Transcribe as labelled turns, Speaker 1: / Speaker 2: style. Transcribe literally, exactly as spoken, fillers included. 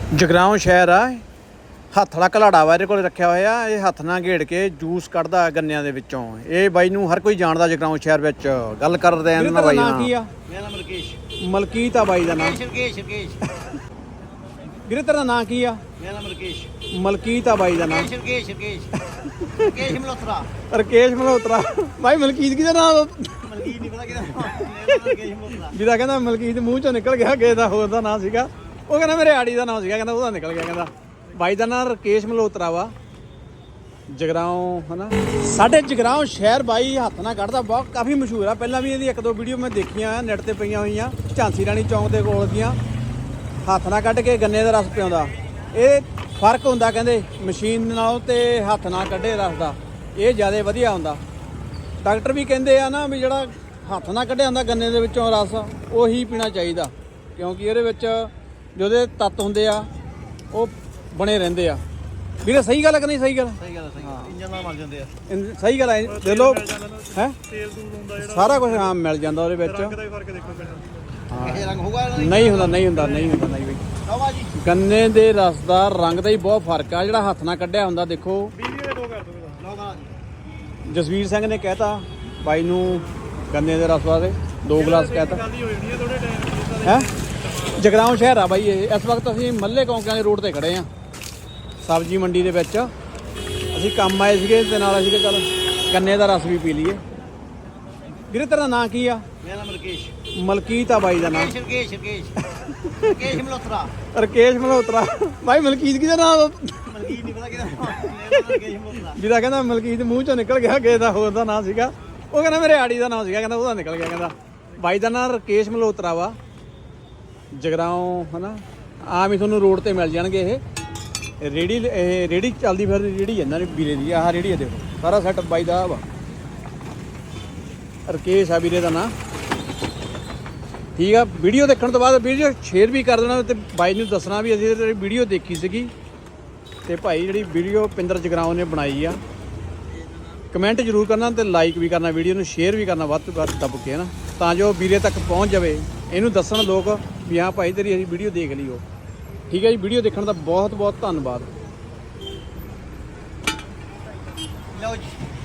Speaker 1: ਜਗਰਾਉਂ ਸ਼ਹਿਰ ਆ, ਹੱਥ ਵਾਲਾ ਘਲਾੜਾ ਵਾ ਇਹਦੇ ਕੋਲ ਰੱਖਿਆ ਹੋਇਆ। ਇਹ ਹੱਥ ਨਾਲ ਘੇੜ ਕੇ ਜੂਸ ਕੱਢਦਾ ਗੰਨਿਆਂ ਦੇ ਵਿੱਚੋਂ। ਇਹ ਬਾਈ ਨੂੰ ਹਰ ਕੋਈ ਜਾਣਦਾ ਜਗਰਾਉਂ ਸ਼ਹਿਰ ਵਿੱਚ। ਗੱਲ ਕਰਦੇ ਆਂ ਨਾ ਬਾਈ ਨਾਲ।
Speaker 2: ਕੀ ਆ?
Speaker 3: ਮੇਰਾ ਨਾਮ ਰਕੇਸ਼।
Speaker 1: ਮਲਕੀਤ ਆ ਬਾਈ ਦਾ ਨਾਮ।
Speaker 3: ਰਕੇਸ਼ ਰਕੇਸ਼
Speaker 2: ਵੀਰੇ ਤੇਰਾ ਨਾਂ ਕੀ ਆ?
Speaker 3: ਮੇਰਾ ਨਾਮ ਰਕੇਸ਼।
Speaker 1: ਮਲਕੀਤ ਆ ਬਾਈ ਦਾ ਨਾਮ।
Speaker 3: ਰਕੇਸ਼ ਰਕੇਸ਼ ਰਕੇਸ਼ ਮਲਹੋਤਰਾ।
Speaker 1: ਰਕੇਸ਼ ਮਲਹੋਤਰਾ। ਬਾਈ ਮਲਕੀਤ ਕਿਹਦਾ ਨਾਮ?
Speaker 3: ਮਲਕੀਤ ਨਹੀਂ ਪਤਾ ਕਿਹਦਾ ਨਾਮ। ਰਕੇਸ਼ ਮਲਹੋਤਰਾ।
Speaker 1: ਜਿਹਦਾ ਕਹਿੰਦਾ ਮਲਕੀਤ ਮੂੰਹ ਚੋਂ ਨਿਕਲ ਗਿਆ, ਕਿਸੇ ਦਾ ਹੋਰ ਦਾ ਨਾਮ ਸੀਗਾ। ਉਹ ਕਹਿੰਦਾ ਮੇਰੇ ਆੜੀ ਦਾ ਨਾਮ ਸੀਗਾ, ਕਹਿੰਦਾ ਉਹਦਾ ਨਿਕਲ ਗਿਆ। ਕਹਿੰਦਾ ਬਾਈ ਦਾ ਨਾਮ ਰਕੇਸ਼ ਮਲਹੋਤਰਾ ਵਾ। ਜਗਰਾਉਂ ਹਨਾ,
Speaker 2: ਸਾਡੇ ਜਗਰਾਉਂ ਸ਼ਹਿਰ ਬਾਈ ਹੱਥ ਨਾਲ ਕੱਢਦਾ, ਬਹੁਤ ਕਾਫੀ ਮਸ਼ਹੂਰ ਆ। ਪਹਿਲਾਂ ਵੀ ਇਹਦੀ ਇੱਕ ਦੋ ਵੀਡੀਓ ਮੈਂ ਦੇਖੀਆਂ ਨੈਟ ਤੇ ਪਈਆਂ ਹੋਈਆਂ। ਝਾਂਸੀ ਰਾਣੀ ਚੌਂਕ ਦੇ ਕੋਲ ਦੀਆਂ ਹੱਥ ਨਾਲ ਕੱਢ ਕੇ ਗੰਨੇ ਦਾ ਰਸ ਪਿਆਉਂਦਾ। ਇਹ ਫਰਕ ਹੁੰਦਾ ਕਹਿੰਦੇ ਮਸ਼ੀਨ ਨਾਲੋਂ ਤੇ ਹੱਥ ਨਾਲ ਕੱਢੇ ਰਸ ਦਾ, ਇਹ ਜ਼ਿਆਦਾ ਵਧੀਆ ਹੁੰਦਾ। ਡਾਕਟਰ ਵੀ ਕਹਿੰਦੇ ਆ ਨਾ ਵੀ ਜਿਹੜਾ ਹੱਥ ਨਾਲ ਕੱਢਿਆ ਹੁੰਦਾ ਗੰਨੇ ਦੇ ਵਿੱਚੋਂ ਰਸ, ਉਹੀ ਪੀਣਾ ਚਾਹੀਦਾ, ਕਿਉਂਕਿ ਇਹਦੇ ਵਿੱਚ ਜਿਹਦੇ ਤੱਤ ਹੁੰਦੇ ਆ ਉਹ ਬਣੇ ਰਹਿੰਦੇ ਆ। ਵੀਰੇ ਸਹੀ ਗੱਲ ਹੈ ਕਿ ਨਹੀਂ? ਸਹੀ ਗੱਲ
Speaker 3: ਸਹੀ ਗੱਲ ਹੈ, ਸਹੀ ਗੱਲ। ਇੰਜਨ ਨਾਲ ਮਰ ਜਾਂਦੇ ਆ।
Speaker 2: ਸਹੀ ਗੱਲ ਹੈ। ਦੇ ਲੋ ਹੈ
Speaker 4: ਤੇਲ ਤੂਲ ਹੁੰਦਾ ਜਿਹੜਾ
Speaker 2: ਸਾਰਾ ਕੁਝ ਆਮ ਮਿਲ ਜਾਂਦਾ ਉਹਦੇ ਵਿੱਚ।
Speaker 4: ਰੰਗ ਦਾ ਵੀ ਫਰਕ ਦੇਖੋ ਪਹਿਲਾਂ।
Speaker 3: ਇਹ ਰੰਗ ਹੋਊਗਾ
Speaker 2: ਨਹੀਂ ਹੁੰਦਾ ਨਹੀਂ ਹੁੰਦਾ ਨਹੀਂ ਹੁੰਦਾ ਨਹੀਂ ਬਈ।
Speaker 3: ਲਓ ਜੀ
Speaker 2: ਗੰਨੇ ਦੇ ਰਸ ਦਾ ਰੰਗ ਦਾ ਹੀ ਬਹੁਤ ਫਰਕ ਆ। ਜਿਹੜਾ ਹੱਥ ਨਾਲ ਕੱਢਿਆ ਹੁੰਦਾ, ਦੇਖੋ
Speaker 4: ਵੀਡੀਓ ਦੇ ਦੋ ਕਰ ਦੋ ਇਹਦਾ।
Speaker 3: ਲਓ ਜੀ।
Speaker 2: ਜਸਵੀਰ ਸਿੰਘ ਨੇ ਕਹਿਤਾ ਬਾਈ ਨੂੰ ਗੰਨੇ ਦੇ ਰਸ ਵਾਸਤੇ ਦੋ ਗਲਾਸ ਕਹਿਤਾ
Speaker 4: ਗੱਲ ਹੀ ਹੋ ਜਾਣੀ ਹੈ ਥੋੜੇ ਟਾਈਮ
Speaker 2: ਹੈ। ਜਗਰਾਉਂ ਸ਼ਹਿਰ ਆ ਬਾਈ ਇਹ। ਇਸ ਵਕਤ ਅਸੀਂ ਮੱਲੇ ਕੌਂਕਿਆਂ ਦੇ ਰੋਡ ਤੇ ਖੜੇ ਆ, ਸਬਜ਼ੀ ਮੰਡੀ ਦੇ ਵਿੱਚ। ਅਸੀਂ ਕੰਮ ਆਏ ਸੀਗੇ ਤੇ ਨਾਲ ਅਸੀਂ ਕਿ ਚੱਲ ਗੰਨੇ ਦਾ ਰਸ ਵੀ ਪੀ ਲਈਏ। ਵੀਰੇ ਤੇਰਾ ਨਾਂ ਕੀ ਆ?
Speaker 3: ਮੇਰਾ ਨਾਮ ਰਕੇਸ਼।
Speaker 2: ਮਲਕੀਤ ਆ ਬਾਈ ਦਾ ਨਾਮ।
Speaker 3: ਰਕੇਸ਼ ਰਕੇਸ਼ ਰਕੇਸ਼ ਮਲਹੋਤਰਾ।
Speaker 2: ਰਕੇਸ਼ ਮਲਹੋਤਰਾ। ਬਾਈ ਮਲਕੀਤ ਕਿਹਦਾ ਨਾਮ?
Speaker 3: ਮਲਕੀਤ ਨਹੀਂ ਪਤਾ ਕਿਹਦਾ ਨਾਮ। ਮੇਰਾ ਨਾਮ ਰਕੇਸ਼ ਮਲਹੋਤਰਾ।
Speaker 2: ਜਿਹਦਾ ਕਹਿੰਦਾ ਮਲਕੀਤ ਮੂੰਹ ਚੋਂ ਨਿਕਲ ਗਿਆ, ਕਿਸੇ ਦਾ ਹੋਰ ਦਾ ਨਾਮ ਸੀਗਾ। ਉਹ ਕਹਿੰਦਾ ਮੇਰੇ ਆੜੀ ਦਾ ਨਾਮ ਸੀਗਾ, ਕਹਿੰਦਾ ਉਹਦਾ ਨਿਕਲ ਗਿਆ। ਕਹਿੰਦਾ ਬਾਈ ਦਾ ਨਾਮ ਰਕੇਸ਼ ਮਲਹੋਤਰਾ ਵਾ। ਜਗਰਾਉਂ ਹਨਾ, ਆਮ ਹੀ ਤੁਹਾਨੂੰ ਰੋਡ ਤੇ ਮਿਲ ਜਾਣਗੇ। ਇਹ ਰੇੜੀ, ਇਹ ਰੇੜੀ ਚੱਲਦੀ ਫਿਰ ਰੇੜੀ ਇਹਨਾਂ ਦੀ ਵੀਰੇ ਦੀ। ਆਹ ਰੇੜੀ ਆ ਦੇਖੋ, ਸਾਰਾ ਸੈਟ ਬਾਈ ਦਾ ਵਾ। ਰਕੇਸ਼ ਆ ਵੀਰੇ ਦਾ ਨਾਂ। ਠੀਕ ਆ, ਵੀਡੀਓ ਦੇਖਣ ਤੋਂ ਬਾਅਦ ਵੀਡੀਓ ਸ਼ੇਅਰ ਵੀ ਕਰ ਦੇਣਾ ਤੇ ਬਾਈ ਨੂੰ ਦੱਸਣਾ ਵੀ ਅਸੀਂ ਤੇਰੀ ਵੀਡੀਓ ਦੇਖੀ ਸੀਗੀ। ਤੇ ਭਾਈ ਜਿਹੜੀ ਵੀਡੀਓ ਪਿੰਦਰ ਜਗਰਾਉਂ ਨੇ ਬਣਾਈ ਆ, ਕਮੈਂਟ ਜ਼ਰੂਰ ਕਰਨਾ ਤੇ ਲਾਈਕ ਵੀ ਕਰਨਾ, ਵੀਡੀਓ ਨੂੰ ਸ਼ੇਅਰ ਵੀ ਕਰਨਾ ਵੱਧ ਤੋਂ ਵੱਧ ਦੱਬ ਕੇ ਨਾ, ਤਾਂ ਜੋ ਵੀਰੇ ਤੱਕ ਪਹੁੰਚ ਜਾਵੇ। ਇਹਨੂੰ ਦੱਸਣ ਲੋਕ ਵੀ ਹਾਂ ਭਾਈ ਤੇਰੀ ਅਸੀਂ ਵੀਡੀਓ ਦੇਖ ਲਈ ਉਹ। ਠੀਕ ਹੈ ਜੀ, ਵੀਡੀਓ ਦੇਖਣ ਦਾ ਬਹੁਤ ਬਹੁਤ ਧੰਨਵਾਦ।
Speaker 3: ਲਓ ਜੀ।